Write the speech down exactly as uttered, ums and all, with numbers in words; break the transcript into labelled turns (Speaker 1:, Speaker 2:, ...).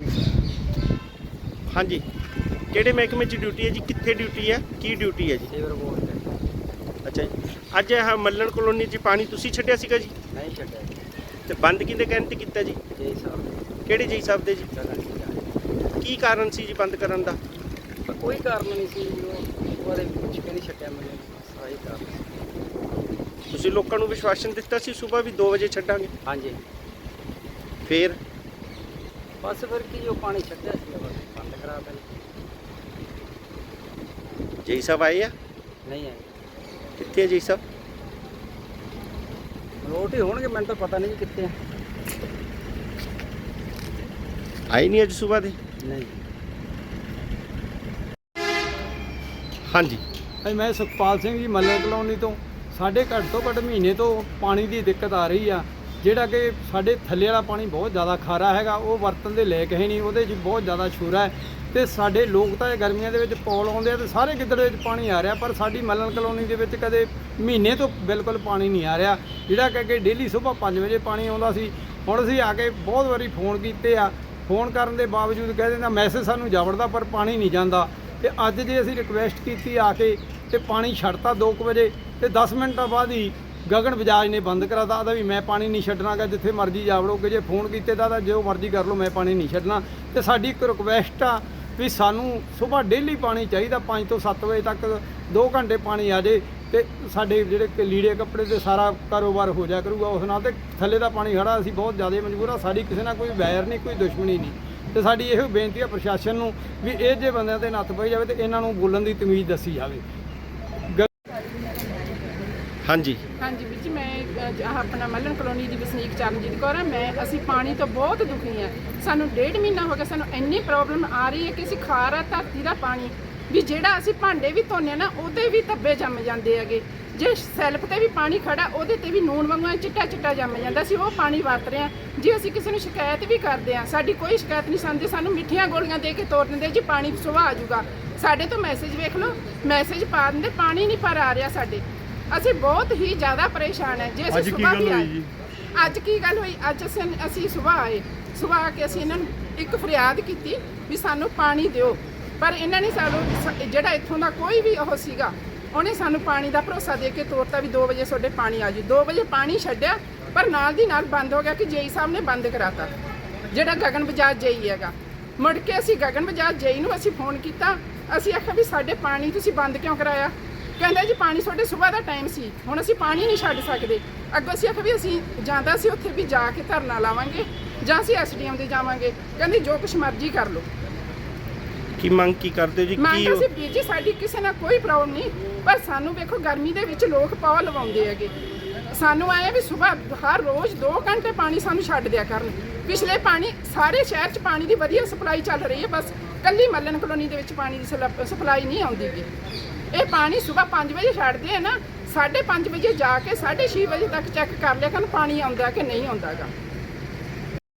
Speaker 1: हाँ जी, ਕਿਹੜੇ ਮਹਿਕਮੇ 'ਚ ਡਿਊਟੀ ਹੈ ਜੀ? ਕਿੱਥੇ ਡਿਊਟੀ ਹੈ? ਕੀ ਡਿਊਟੀ ਹੈ ਜੀ?
Speaker 2: ਸੀਵਰ ਬੋਰਡ ਤੇ।
Speaker 1: ਅੱਛਾ ਜੀ, ਅੱਜ ਇਹ ਮੱਲਣ ਕਲੋਨੀ 'ਚ ਪਾਣੀ ਤੁਸੀਂ ਛੱਡਿਆ ਸੀਗਾ ਜੀ?
Speaker 2: ਨਹੀਂ ਛੱਡਿਆ ਜੀ।
Speaker 1: ਤੇ ਬੰਦ ਕਿਹਦੇ ਕਹਿਣ ਤੇ ਕੀਤਾ ਜੀ?
Speaker 2: ਜੀ ਸਾਹਿਬ।
Speaker 1: ਕਿਹੜੇ ਜੀ ਸਾਹਿਬ ਦੇ ਜੀ?
Speaker 2: ਜਗ੍ਹਾ ਨਹੀਂ ਜਾਣੀ।
Speaker 1: ਕੀ ਕਾਰਨ ਸੀ ਜੀ ਬੰਦ ਕਰਨ ਦਾ?
Speaker 2: ਪਰ ਕੋਈ ਕਾਰਨ ਨਹੀਂ ਸੀ, ਉਹ ਉਹਦੇ ਵਿੱਚ ਕਿ ਨਹੀਂ ਛੱਡਿਆ ਮੈਨੂੰ, ਸਾਰੀ ਕਾਰਨ ਸੀ।
Speaker 1: ਤੁਸੀਂ ਲੋਕਾਂ ਨੂੰ ਵਿਸ਼ਵਾਸਨ ਦਿੱਤਾ ਸੀ ਸਵੇਰ ਵੀ ਦੋ ਵਜੇ ਛੱਡਾਂਗੇ,
Speaker 2: ਹਾਂਜੀ।
Speaker 1: ਫੇਰ
Speaker 2: ਬਸ ਫਿਰ ਕੀ ਉਹ ਪਾਣੀ ਛੱਡਿਆ ਸੀ, ਬਸ ਬੰਦ ਕਰਾ ਦਿੱਤਾ।
Speaker 1: ਜੀ ਸਾਹਿਬ ਆਏ ਆ?
Speaker 2: ਨਹੀਂ ਆਏ।
Speaker 1: ਕਿੱਥੇ ਹੈ ਜੀ ਸਾਹਿਬ?
Speaker 2: ਰੋਟ ਹੀ ਹੋਣਗੇ, ਮੈਨੂੰ ਤਾਂ ਪਤਾ ਨਹੀਂ ਜੀ ਕਿੱਥੇ ਆ।
Speaker 1: ਆਏ ਨਹੀਂ ਅੱਜ ਸਵੇਰ ਦੇ?
Speaker 2: ਨਹੀਂ।
Speaker 1: ਹਾਂਜੀ,
Speaker 3: ਮੈਂ ਸੁਖਪਾਲ ਸਿੰਘ ਜੀ, ਮੱਲਣ ਕਲੋਨੀ ਤੋਂ। ਸਾਡੇ ਘੱਟ ਤੋਂ ਘੱਟ ਮਹੀਨੇ ਤੋਂ ਪਾਣੀ ਦੀ ਦਿੱਕਤ ਆ ਰਹੀ ਆ, ਜਿਹੜਾ ਕਿ ਸਾਡੇ ਥੱਲੇ ਵਾਲਾ ਪਾਣੀ ਬਹੁਤ ਜ਼ਿਆਦਾ ਖਾਰਾ ਹੈਗਾ, ਉਹ ਵਰਤਣ ਦੇ ਲਾਇਕ ਹੈ ਨਹੀਂ, ਉਹਦੇ 'ਚ ਬਹੁਤ ਜ਼ਿਆਦਾ ਸ਼ੂਰਾ ਹੈ। ਤੇ ਸਾਡੇ ਲੋਕ ਤਾਂ ਇਹ ਗਰਮੀਆਂ ਦੇ ਵਿੱਚ ਪੌਲ ਆਉਂਦੇ ਆ ਤੇ ਸਾਰੇ ਗਿੱਦੜ ਵਿੱਚ ਪਾਣੀ ਆ ਰਿਹਾ, ਪਰ ਸਾਡੀ ਮੱਲਣ ਕਲੋਨੀ ਦੇ ਵਿੱਚ ਕਦੇ ਮਹੀਨੇ ਤੋਂ ਬਿਲਕੁਲ ਪਾਣੀ ਨਹੀਂ ਆ ਰਿਹਾ, ਜਿਹੜਾ ਕਿ ਅੱਗੇ ਡੇਲੀ ਸੁਬਾਹ ਪੰਜ ਵਜੇ ਪਾਣੀ ਆਉਂਦਾ ਸੀ। ਹੁਣ ਅਸੀਂ ਆ ਕੇ ਬਹੁਤ ਵਾਰੀ ਫੋਨ ਕੀਤੇ ਆ, ਫੋਨ ਕਰਨ ਦੇ ਬਾਵਜੂਦ ਕਹਿ ਦਿੰਦਾ ਮੈਸੇਜ ਸਾਨੂੰ ਜਾਵੜਦਾ ਪਰ ਪਾਣੀ ਨਹੀਂ ਜਾਂਦਾ। ਤੇ ਅੱਜ ਜੇ ਅਸੀਂ ਰਿਕੁਐਸਟ ਕੀਤੀ ਆ ਕੇ ਤੇ ਪਾਣੀ ਛੱਡਤਾ ਦੋ ਕੁ ਵਜੇ, ਤੇ ਦਸ ਮਿੰਟਾਂ ਬਾਅਦ ਹੀ ਗਗਨ ਬਜਾਜ ਨੇ ਬੰਦ ਕਰਾਤਾ, ਆਦਾ ਵੀ ਮੈਂ ਪਾਣੀ ਨਹੀਂ ਛੱਡਣਾਗਾ, ਜਿੱਥੇ ਮਰਜ਼ੀ ਜਾਵੜੋਗੇ। ਜੇ ਫੋਨ ਕੀਤੇ ਤਾਂ ਜੋ ਮਰਜ਼ੀ ਕਰ ਲਓ, ਮੈਂ ਪਾਣੀ ਨਹੀਂ ਛੱਡਣਾ। ਤੇ ਸਾਡੀ ਇੱਕ ਰਿਕੁਐਸਟ ਆ ਵੀ ਸਾਨੂੰ ਸਵੇਰ ਡੇਲੀ ਪਾਣੀ ਚਾਹੀਦਾ, ਪੰਜ ਤੋਂ ਸੱਤ ਵਜੇ ਤੱਕ ਦੋ ਘੰਟੇ ਪਾਣੀ ਆ ਜੇ ਤੇ ਸਾਡੇ ਜਿਹੜੇ ਲੀੜੇ ਕੱਪੜੇ ਤੇ ਸਾਰਾ ਕਾਰੋਬਾਰ ਹੋ ਜਾ ਕਰੂਗਾ ਉਸ ਨਾਲ। ਤੇ ਥੱਲੇ ਦਾ ਪਾਣੀ ਖੜਾ, ਅਸੀਂ ਬਹੁਤ ਜ਼ਿਆਦਾ ਮਜਬੂਰ ਆ, ਸਾਡੀ ਕਿਸੇ ਨਾਲ ਕੋਈ ਵੈਰ ਨਹੀਂ, ਕੋਈ ਦੁਸ਼ਮਣੀ ਨਹੀਂ। ਤੇ ਸਾਡੀ ਇਹੋ ਬੇਨਤੀ ਆ ਪ੍ਰਸ਼ਾਸਨ ਨੂੰ ਵੀ ਇਹ ਜੇ ਬੰਦਿਆਂ ਤੇ ਨੱਥ ਪਾਈ ਜਾਵੇ ਤੇ ਇਹਨਾਂ ਨੂੰ ਬੋਲਣ ਦੀ ਤਮੀਜ਼ ਦੱਸੀ ਜਾਵੇ।
Speaker 1: ਹਾਂਜੀ
Speaker 4: ਹਾਂਜੀ ਵੀਰ ਜੀ, ਮੈਂ ਅਹ, ਆਪਣਾ ਮੱਲਣ ਕਲੋਨੀ ਦੀ ਵਸਨੀਕ ਚਰਨਜੀਤ ਕੌਰ ਹਾਂ। ਮੈਂ ਅਸੀਂ ਪਾਣੀ ਤੋਂ ਬਹੁਤ ਦੁਖੀ ਹਾਂ। ਸਾਨੂੰ ਡੇਢ ਮਹੀਨਾ ਹੋ ਗਿਆ, ਸਾਨੂੰ ਇੰਨੀ ਪ੍ਰੋਬਲਮ ਆ ਰਹੀ ਹੈ ਕਿ ਅਸੀਂ ਖਾਰਾ ਧਰਤੀ ਦਾ ਪਾਣੀ ਵੀ ਜਿਹੜਾ ਅਸੀਂ ਭਾਂਡੇ ਵੀ ਧੋਨੇ ਨਾ ਉਹਦੇ ਵੀ ਧੱਬੇ ਜੰਮ ਜਾਂਦੇ ਹੈਗੇ। ਜੇ ਸੈਲਫ ਤੇ ਵੀ ਪਾਣੀ ਖੜਾ ਉਹਦੇ ਤੇ ਵੀ ਨੂਣ ਵਾਂਗੂ ਚਿੱਟਾ ਚਿੱਟਾ ਜੰਮ ਜਾਂਦਾ। ਅਸੀਂ ਉਹ ਪਾਣੀ ਵਰਤ ਰਹੇ ਹਾਂ। ਜੇ ਅਸੀਂ ਕਿਸੇ ਨੂੰ ਸ਼ਿਕਾਇਤ ਵੀ ਕਰਦੇ ਹਾਂ, ਸਾਡੀ ਕੋਈ ਸ਼ਿਕਾਇਤ ਨਹੀਂ ਸੁਣਦੇ, ਸਾਨੂੰ ਮਿੱਠੀਆਂ ਗੋਲੀਆਂ ਦੇ ਕੇ ਤੋਰ ਦਿੰਦੇ ਜੀ ਪਾਣੀ ਸੁਭਾ ਆ ਜਾਊਗਾ। ਸਾਡੇ ਤੋਂ ਮੈਸੇਜ ਵੇਖ ਲਓ, ਮੈਸੇਜ ਪਾ ਦਿੰਦੇ, ਪਾਣੀ ਨਹੀਂ ਪਰ ਆ ਰਿਹਾ ਸਾਡੇ। ਅਸੀਂ ਬਹੁਤ ਹੀ ਜ਼ਿਆਦਾ ਪਰੇਸ਼ਾਨ ਹੈ। ਜੇ ਅਸੀਂ ਸੁਬਾਹ ਵੀ ਆਏ, ਅੱਜ ਕੀ ਗੱਲ ਹੋਈ, ਅੱਜ ਅਸੀਂ ਅਸੀਂ ਸੁਬਾਹ ਆਏ, ਸੁਬਾਹ ਆ ਕੇ ਅਸੀਂ ਇਹਨਾਂ ਨੂੰ ਇੱਕ ਫਰਿਆਦ ਕੀਤੀ ਵੀ ਸਾਨੂੰ ਪਾਣੀ ਦਿਓ, ਪਰ ਇਹਨਾਂ ਨੇ ਸਾਨੂੰ ਜਿਹੜਾ ਇੱਥੋਂ ਦਾ ਕੋਈ ਵੀ ਉਹ ਸੀਗਾ, ਉਹਨੇ ਸਾਨੂੰ ਪਾਣੀ ਦਾ ਭਰੋਸਾ ਦੇ ਕੇ ਤੋਰਤਾ ਵੀ ਦੋ ਵਜੇ ਤੁਹਾਡੇ ਪਾਣੀ ਆ ਜੀ। ਦੋ ਵਜੇ ਪਾਣੀ ਛੱਡਿਆ, ਪਰ ਨਾਲ ਦੀ ਨਾਲ ਬੰਦ ਹੋ ਗਿਆ ਕਿ ਜੇਈ ਸਾਹਿਬ ਨੇ ਬੰਦ ਕਰਾਤਾ, ਜਿਹੜਾ ਗਗਨ ਬਜਾਜ ਜੇਈ ਹੈਗਾ। ਮੁੜ ਕੇ ਅਸੀਂ ਗਗਨ ਬਜਾਜ ਜੇਈ ਨੂੰ ਅਸੀਂ ਫੋਨ ਕੀਤਾ, ਅਸੀਂ ਆਖਿਆ ਵੀ ਸਾਡੇ ਪਾਣੀ ਤੁਸੀਂ ਬੰਦ ਕਿਉਂ ਕਰਾਇਆ? ਕਹਿੰਦੇ ਜੀ ਪਾਣੀ ਤੁਹਾਡੇ ਸਵੇਰ ਦਾ ਟਾਈਮ ਸੀ, ਹੁਣ ਅਸੀਂ ਪਾਣੀ ਨਹੀਂ ਛੱਡ ਸਕਦੇ। ਅੱਗੋਂ ਅਸੀਂ ਆਖਿਆ ਵੀ ਅਸੀਂ ਜਾਂਦਾ ਸੀ ਉੱਥੇ ਵੀ ਜਾ ਕੇ ਧਰਨਾ ਲਾਵਾਂਗੇ ਜਾਂ ਅਸੀਂ ਐਸ ਡੀ ਐਮ ਦੇ ਜਾਵਾਂਗੇ। ਕਹਿੰਦੇ ਜੋ ਕੁਛ ਮਰਜ਼ੀ ਕਰ ਲਓ।
Speaker 1: ਕੀ ਮੰਗ ਕੀ ਕਰਦੇ ਜੀ?
Speaker 4: ਮੰਗ
Speaker 1: ਕੀ
Speaker 4: ਅਸੀਂ ਵੀਰ ਜੀ, ਸਾਡੀ ਕਿਸੇ ਨਾਲ ਕੋਈ ਪ੍ਰੋਬਲਮ ਨਹੀਂ, ਪਰ ਸਾਨੂੰ ਵੇਖੋ ਗਰਮੀ ਦੇ ਵਿੱਚ ਲੋਕ ਪੌ ਲਵਾਉਂਦੇ ਹੈਗੇ। ਸਾਨੂੰ ਆਇਆ ਵੀ ਸਵੇਰ ਹਰ ਰੋਜ਼ ਦੋ ਘੰਟੇ ਪਾਣੀ ਸਾਨੂੰ ਛੱਡ ਦਿਆ ਕਰਨ। ਪਿਛਲੇ ਪਾਣੀ ਸਾਰੇ ਸ਼ਹਿਰ 'ਚ ਪਾਣੀ ਦੀ ਵਧੀਆ ਸਪਲਾਈ ਚੱਲ ਰਹੀ ਹੈ, ਬਸ ਕੱਲੀ ਮੱਲਣ ਕਲੋਨੀ ਦੇ ਵਿੱਚ ਪਾਣੀ ਦੀ ਸਪਲਾਈ ਨਹੀਂ ਆਉਂਦੀ ਗੀ। ਇਹ ਪਾਣੀ ਸਵੇਰ ਪੰਜ ਵਜੇ ਛੱਡਦੇ ਆ ਨਾ, ਸਾਢੇ ਪੰਜ ਵਜੇ ਜਾ ਕੇ ਸਾਢੇ ਛੇ ਵਜੇ ਤੱਕ ਚੈੱਕ ਕਰ ਲਿਆ ਕਰਨ ਪਾਣੀ ਆਉਂਦਾ ਕਿ ਨਹੀਂ ਆਉਂਦਾਗਾ।